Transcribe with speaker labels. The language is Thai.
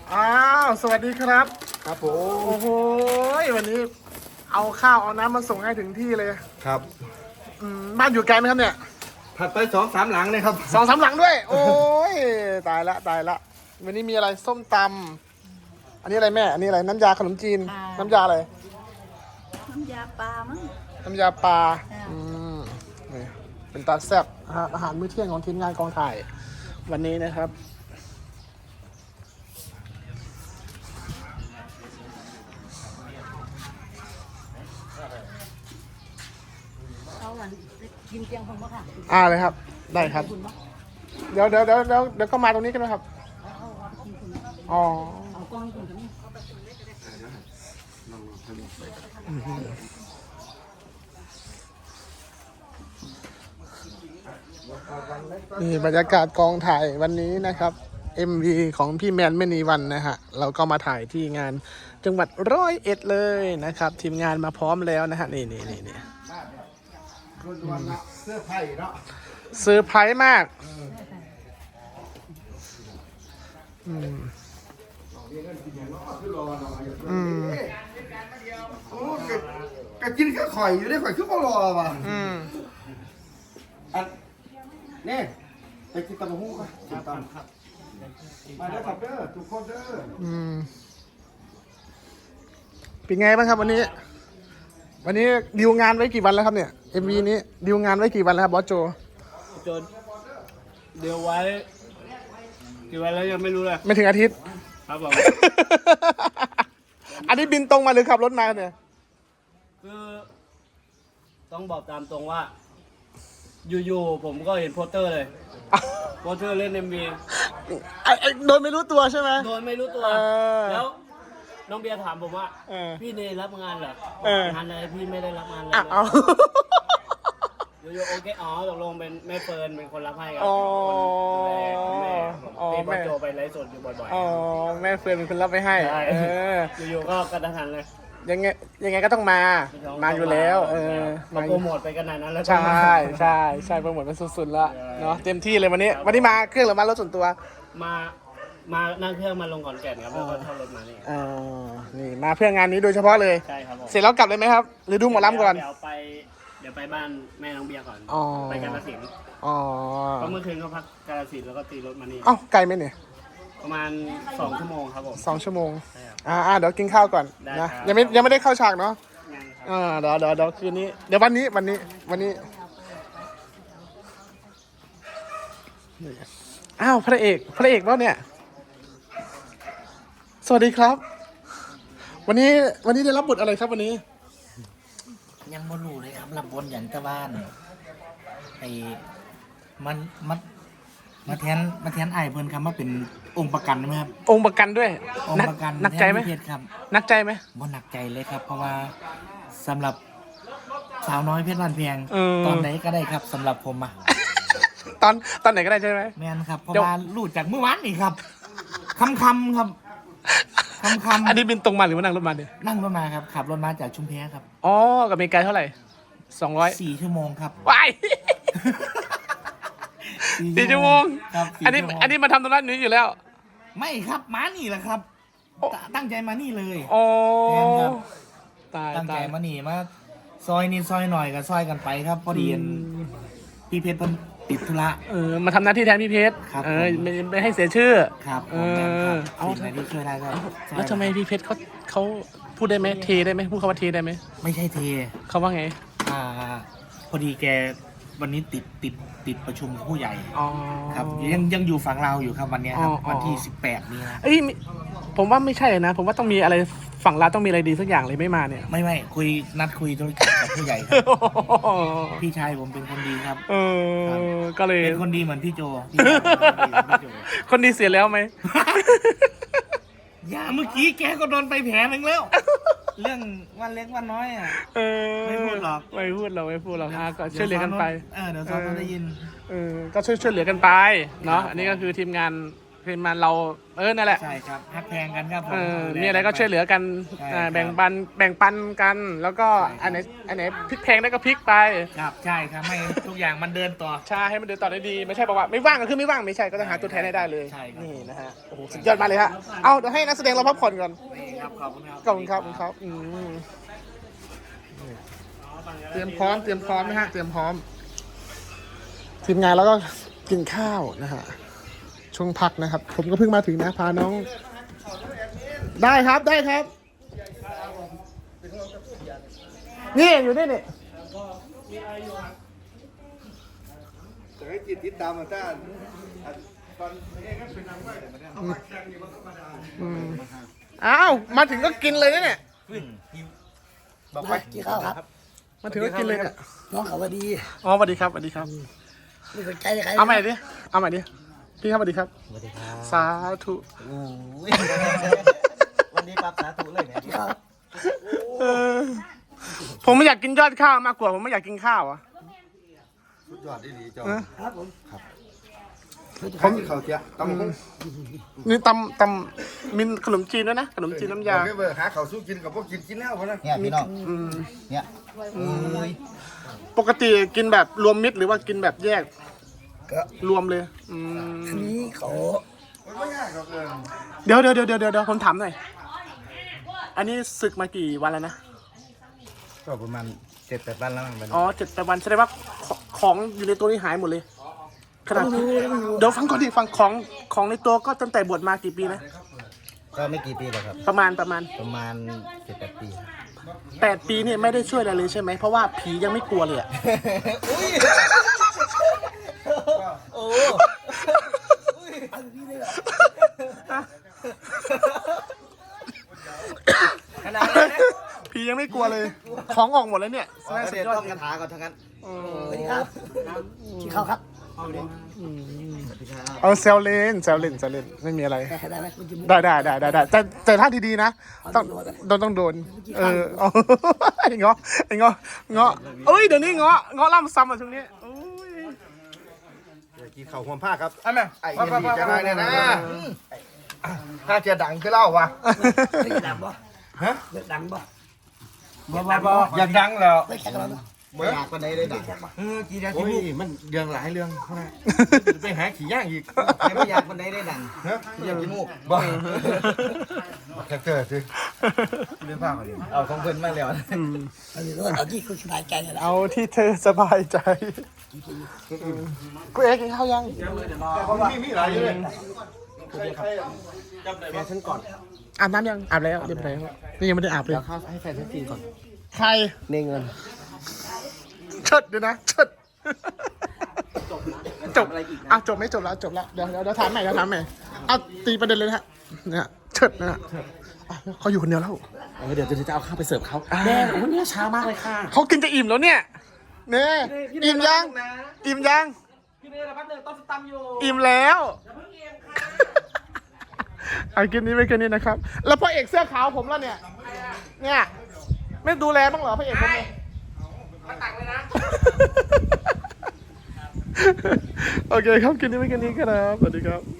Speaker 1: อ้าวสวัสดีครับ
Speaker 2: ครับผ
Speaker 1: โอ้
Speaker 2: ม
Speaker 1: โหวันนี้เอาข้าวเอาน้ำมาส่งให้ถึงที่เลย
Speaker 2: ครับ
Speaker 1: บ้านอยู่ไกลไหมครับเนี่ย
Speaker 2: ถัดไป2-3 หลังเลยครับ
Speaker 1: 2-3 หลังด้วย โอ้ยตายละตายละวันนี้มีอะไรส้มตำอันนี้อะไรแม่ อันนี้อะไรน้ำยาขนมจีน น้ำยาอะไร
Speaker 3: น้ำยาปลามั้ง
Speaker 1: น้ำยาปลา
Speaker 3: ค่ะ
Speaker 1: นี่เป็นตาแซ่บอาหารมื้อเที่ยงของทีมงานกองถ่าย วันนี้นะครับ
Speaker 3: เอาหวานกินเตียงคนบ่ค่ะ
Speaker 1: เลยครับ ได้ครับ
Speaker 3: คุณบ่
Speaker 1: เดี๋ยวก็มาตรงนี้กันนะครับ
Speaker 3: เอากินคุณ
Speaker 1: อ๋อ
Speaker 3: เอากล้องให้คุณตรงนี้
Speaker 1: นี่บรรยากาศกองถ่ายวันนี้นะครับ MV ของพี่แมนไม่นีวันนะฮะ เราก็มาถ่ายที่งานจังหวัด101เลยนะครับ ทีมงานมาพร้อมแล้วนะฮะ นี่
Speaker 2: เสื้อไผ่เนาะ
Speaker 1: เซอร์ไพรส์มากอืม
Speaker 2: โอ้กะกินแค่ข่อยอยู่ได้ข่อยคือบ่รอว่ะ
Speaker 1: อืม
Speaker 2: อันนี่ไปกินตำบักหุ่งป่ะกินตำครับมาเด้อครับเด้อทุกคนเด้อ
Speaker 1: อืมเป็นไงบ้างครับวันนี้ วันนี้ดีลงานไว้กี่วันแล้วครับเนี่ย MV นี้ดีลงานไว้กี่วันแล้วครับบอสโจ
Speaker 4: จนเดี๋ยวไว้กี่วันแล้วยังไม่รู้เลย
Speaker 1: ไม่ถึงอาทิตย์
Speaker 4: ครับผม
Speaker 1: อันนี้บินตรงมาหรือขับรถมาเนี่ย
Speaker 4: คือต้องบอกตามตรงว่า อยู่ๆผมก็เห็นโปสเตอร์เลยโปสเตอร์เล่น MV
Speaker 1: ไอ้โดนไม่รู้ตัวใช่ไหม
Speaker 4: โดยไม่รู้ตัว
Speaker 1: เออ
Speaker 4: แล้วน้องเบียร์ถามผมว่า
Speaker 1: เออ
Speaker 4: พี่เนยรับงานเหรอ
Speaker 1: เออ
Speaker 4: งานอะไรพี่ไม่ได้รับงานเลย
Speaker 1: เอา
Speaker 4: อยู่ๆโอเคอ๋อตกลงเป็นแม่เฟิร์นเป็นคนรับให้ครั
Speaker 1: อ๋อ
Speaker 4: คนดูแลคุณแม่ผม
Speaker 1: อ๋อ
Speaker 4: ตี
Speaker 1: แม่
Speaker 4: ป้าโจไปไลฟ์สดอยู่บ่อย
Speaker 1: อ๋อแม่เฟิร์นเป็นคนรับไปให้
Speaker 4: ๆใช่
Speaker 1: เออ
Speaker 4: อยู่ๆก็กระทันหันเลย
Speaker 1: ยังไงก็ต้องมา มาอยู่แล้ว เออ
Speaker 4: มา
Speaker 1: มาอ
Speaker 4: โปร
Speaker 1: ยู่
Speaker 4: โมทไปขนาดนั้นแล้ว
Speaker 1: ใช่โปรโมทเป็นสุดๆแล้วเนาะเต็มที่เลยวันนี้ วันนี้มาเครื่องหรือมารถส่วนตัว
Speaker 4: มานั่งเครื่องมาลงขอนแก่นครับแล้วก็เช่ารถมานี่
Speaker 1: อ๋อนี่มาเพื่องานนี้โดยเฉพาะเลย
Speaker 4: ใช่ครับผม
Speaker 1: เสร็จแล้วกลับเลยไหมครับ หรือดูหมอลำก่อน
Speaker 4: เดี๋ยวไปบ้านแม่น้องเบียร์ก่อน
Speaker 1: อ๋อ
Speaker 4: ไปกาฬสินธุ์
Speaker 1: อ๋อ
Speaker 4: เพราะเมื่อคืนก็พักกาฬสินธุ์แล้วก็ตีรถมานี่
Speaker 1: เอ้าไกลไหมเนี่ย
Speaker 4: ประมาณ2 ชั่วโมงครับผม
Speaker 1: 2 ชั่วโมง
Speaker 4: ใช่ครับ
Speaker 1: เดี๋ยวกินข้าวก่อน
Speaker 4: ได้
Speaker 1: นะครับ ยังไม่ได้เข้าฉากเนาะ
Speaker 4: ยังครับ
Speaker 1: เดี๋ยวคืนนี้ เดี๋ยววันนี้นี่อ้าวพระเอกแล้วเนี่ย สวัสดีครับ วันนี้ได้รับบทอะไรครับวันนี้
Speaker 5: ยังบ่รู้เลยครับรับบนอย่างตะบ้านไอ้มันมาแทนไอ้ายเพิ่นครับมาเป็นองค์ประกันไหมครับ
Speaker 1: องค์ประกันด้วย
Speaker 5: องค์ประกัน
Speaker 1: หนักใจไหม
Speaker 5: แทนพี่เพชรครับ
Speaker 1: หนักใจไหม
Speaker 5: บ่หนักใจเลยครับ เพราะว่าสำหรับสาวน้อยเพชรบ้านแพง
Speaker 1: เออ
Speaker 5: ตอนไหนก็ได้ครับสำหรับผมอะ
Speaker 1: ตอนไหนก็ได้ใช่ไหม
Speaker 5: แม่นครับเพราะ
Speaker 1: เดี๋ยว
Speaker 5: ว่ารู้จากเมื่อวานนี่ครับคำครับคำ
Speaker 1: อันนี้บินตรงมาหรือว่านั่งรถมาเนี่ย
Speaker 5: นั่งรถมาครับขับรถมาจากชุมแพครับ
Speaker 1: อ๋อกับอเมริกาเท่าไหร่200
Speaker 5: 4 ชั่วโมงครับ
Speaker 1: ว้าย 4 ชั่วโมง
Speaker 5: ครับ
Speaker 1: อันนี้
Speaker 5: 4 ชั่วโมง
Speaker 1: อันนี้มาทำตรงนั้นนี้อยู่แล้ว
Speaker 5: ไม่ครับมานี่แหละครับ
Speaker 1: โอ้
Speaker 5: ตั้งใจมานี่เลย
Speaker 1: อ๋อ
Speaker 5: แม่นครับ
Speaker 1: ตาย
Speaker 5: ตั้งใจ
Speaker 1: ตาย
Speaker 5: มานี่มาซอยนิดซอยหน่อยก็ซอยกันไปครับพอดีพี่เพชรเพิ่นติดธุระ
Speaker 1: มาทำหน้าที่แทนพี่เพชร
Speaker 5: ครับ
Speaker 1: ไม่ให้เสียชื่อ
Speaker 5: ครับ
Speaker 1: เอ
Speaker 5: ผมแม่นครับ
Speaker 1: เอา
Speaker 5: สิ่งไหนที่ช่วยได้ก็ช่วย
Speaker 1: แล้วทำไมพี่เพชรเขาพูดได้ไหมเทได้ไหมพูดคำว่าเทได้ไหม
Speaker 5: ไม่ใช่เท
Speaker 1: เขาว่าไง
Speaker 5: อ่าพอดีแกวันนี้ติดประชุมกับผู้ใหญ่
Speaker 1: อ๋อ
Speaker 5: ครับยังอยู่ฝั่งเราวอยู่ครับวันเนี้ยครับ
Speaker 1: อ๋อ
Speaker 5: วันที่18นี้นะ
Speaker 1: เอ้ยผมว่าไม่ใช่นะ ผมว่าต้องมีอะไรฝั่งเราต้องมีอะไรดีสักอย่างเลยไม่มาเนี่ย
Speaker 5: ไม่นัดคุยธุรกิจกับผู้ใหญ่ครับ พี่ชายผมเป็นคนดีครับ
Speaker 1: ก็เลย
Speaker 5: เป็นคนดีเหมือนพี่โจพี่ชายผมเป็นคนดีเหมือนพี่โจ
Speaker 1: คนดีเสียแล้วไหม
Speaker 5: อย่าเมื่อกี้แกก็โดนไปแผลหนึ่งแล้ว เรื่องวันเล็กวันน้อยอ่ะ ไม่พูดหรอก
Speaker 1: ไม่พูดหรอกก็ช่วยเหลือกันไป
Speaker 5: เดี๋ยวซ้อนได้ยิน
Speaker 1: ก็ช่วยเหลือกันไปเนาะอันนี้ก็คือทีมงานเพคือมันเรานั่นแหละ
Speaker 5: ใช่ครับฮักแพงกันครับผม
Speaker 1: มีอะไรก็ช่วยเหลือกัน
Speaker 5: ใช่ครับ
Speaker 1: แบ่งปันกัน แล้วก็อันไหนพลิกแพงได้ก็พลิกไป
Speaker 5: ครับใช่ครับไม่ทุกอย่างมันเดินต่อ
Speaker 1: ใช่ให้มันเดินต่อได้ดีไม่ใช่บอกว่าไม่ว่างก็คือไม่ว่างไม่ใช่ก็ต้องหาตัวแทนให้ได้เลย
Speaker 5: ใช่ครับ
Speaker 1: นี่นะฮะโอ้โหสุดยอดมากเลยฮะเอาเดี๋ยวให้นักแสดงเราพักผ่อนก่อน
Speaker 5: นี่ครับขอบคุณครับ
Speaker 1: ขอบคุณครับขอบคุณครับเตรียมพร้อมนะฮะเตรียมพร้อมทีมงานแล้วก็กินข้าวนะฮะช่วงพักนะครับ ผมก็เพิ่งมาถึงนะพาน้อง ได้ครับนี่อยู่นี่นี่
Speaker 2: จะให้จิตติดตามมาต้านตอนนี้ก็เป็นนางไม้เขาแข่งอยู่มันก็มาได้
Speaker 1: อ้าวมาถึงก็กินเลยนะเนี่ย
Speaker 2: บอกไป
Speaker 3: กินข้าวครับ
Speaker 1: มาถึงก็กินเลยเนี่ย
Speaker 3: น้องเขาว่าดี
Speaker 1: อ๋อสวัสดีครับสวัสดีครับ
Speaker 3: ไม่สนใจใคร
Speaker 1: เอาใหม่ดิพี่ครับสวัสดีครับสวัสดีครับสาธุ
Speaker 2: วันนี้ปรับสาธุเลยเนี่ย
Speaker 3: กินข้าว
Speaker 1: เออผมไม่อยากกินยอดข้าวมากกว่าผมไม่อยากกินข้าวอ่ะ
Speaker 2: สุดยอดดีจอ
Speaker 3: ครับผม
Speaker 2: ผมเขาเจ้าต้อง
Speaker 1: นี่ตำมีขนมจีนด้วยนะขนมจีนน้ำยา
Speaker 2: เบอร์หาเขาสู้กินกับพวกกินแล้วพอนะ
Speaker 5: เนี่ยพี่น้อง
Speaker 1: อืม
Speaker 5: เนี่ย
Speaker 1: ปกติกินแบบรวมมิตรหรือว่ากินแบบแยก
Speaker 3: ก็
Speaker 1: รวมเลย
Speaker 3: อันนี้เขา
Speaker 2: มันไม่ยากหรอก
Speaker 1: เดี๋ยวผมถามหน่อยอันนี้ศึกมากี่วันแล้วนะ
Speaker 2: ก็ประมาณ7-8 วันแล้วมั้ง
Speaker 1: อ๋อ7 วันแสดงว่าของอยู่ในตัวนี้หายหมดเลยขนาดเดี๋ยวฟังก่อนดิฟังของในตัวก็ตั้งแต่บวชมากี่ปีนะ
Speaker 2: ก็ไม่กี่ปีหรอกครับ
Speaker 1: ประมาณ
Speaker 2: ประมาณ7-8 ปี
Speaker 1: 8 ปีเนี่ยไม่ได้ช่วยอะไรเลยใช่ไหมเพราะว่าผียังไม่กลัวเลยอะ
Speaker 2: โอ้
Speaker 5: ขนาดนั้นนะ
Speaker 1: ผียังไม่กลัวเลย ของออกหมดแล้วเนี่ย
Speaker 2: เดี๋ยวต้องคาถาก่อนทั้งนั้น
Speaker 3: สวัสดีครับกินข้าวครับ
Speaker 1: เอาเซลเล่นไม่มีอะไร
Speaker 3: ได้ไหมคุณจะ
Speaker 1: ได้แต่ถ้าดีๆนะต้องโดนเอา ไอ้เงาะเอ้ยเดี๋ยวนี้เงาะล่ำซ้ำอ่ะช่วงนี้โอ้ย
Speaker 2: กินข้าวหัวผ้าครับไอ้เหี้ยดีจะได้เนี่ยนะถ้าจะดังก็เล่าวะ
Speaker 3: เลิกดังบ่ฮะเลิกดังบ่
Speaker 2: บ่อยากดังแล้ว
Speaker 3: ไม่แข่งกันแล้ว
Speaker 2: บ่อยากปานใดได้ดังกี่ดังโอ้ยมันเรื่องหลายเรื่องไปหาขี่ย่างอีกไม่อยากปานใดได้ดังอยากกินมูกบ่แท็กเตอร์สิเรื่องผ้าเอาของเพิ่นมาแล้ว
Speaker 3: เอาที่คุณสบายใจแล้ว
Speaker 1: เอาที่เธอสบายใจกูเอ๊ะกินข้าวยัง
Speaker 2: มีหลายอยู่เลย
Speaker 5: แฟนฉันก่อน
Speaker 1: อาบน้ำยังอาบแล้วเรียบร้อยนี่ยังไม่ได้อาบเลย
Speaker 5: ข้าวให้แฟนฉันกินก่อน
Speaker 1: ใคร
Speaker 5: ในเงิน
Speaker 1: เชิดเดี๋ยวนะเชิดจบอ่ะจบไม่จบแล้วเดี๋ยวถามใหม่เอาตีประเด็นเลยนะฮะเนี่ยเชิดนะฮะเขาอยู่คนเดียวแล้ว
Speaker 5: เดี๋ยวจะเอาข้าวไปเสิร์ฟเขาแม่โอ้เนี่ยช้ามากเลยค่ะ
Speaker 1: เขากินจะอิ่มแล้วเนี่ยเนี่ยอิ่มยัง
Speaker 5: พี่เมย์ระพัดหนึ่งต้องตำอยู่
Speaker 1: อิ่มแล้วเอากินนี้ไปกินนี้นะครับ แล้วพ่อเอกเสื้อขาวผมแล้วเนี่ยไม่ดูแลบ้างเหรอพ่อเอกผมเนี่ยมาตักเลยนะ โอเคครับกินนี้ไปกินนี้ครับสวัสดีครับ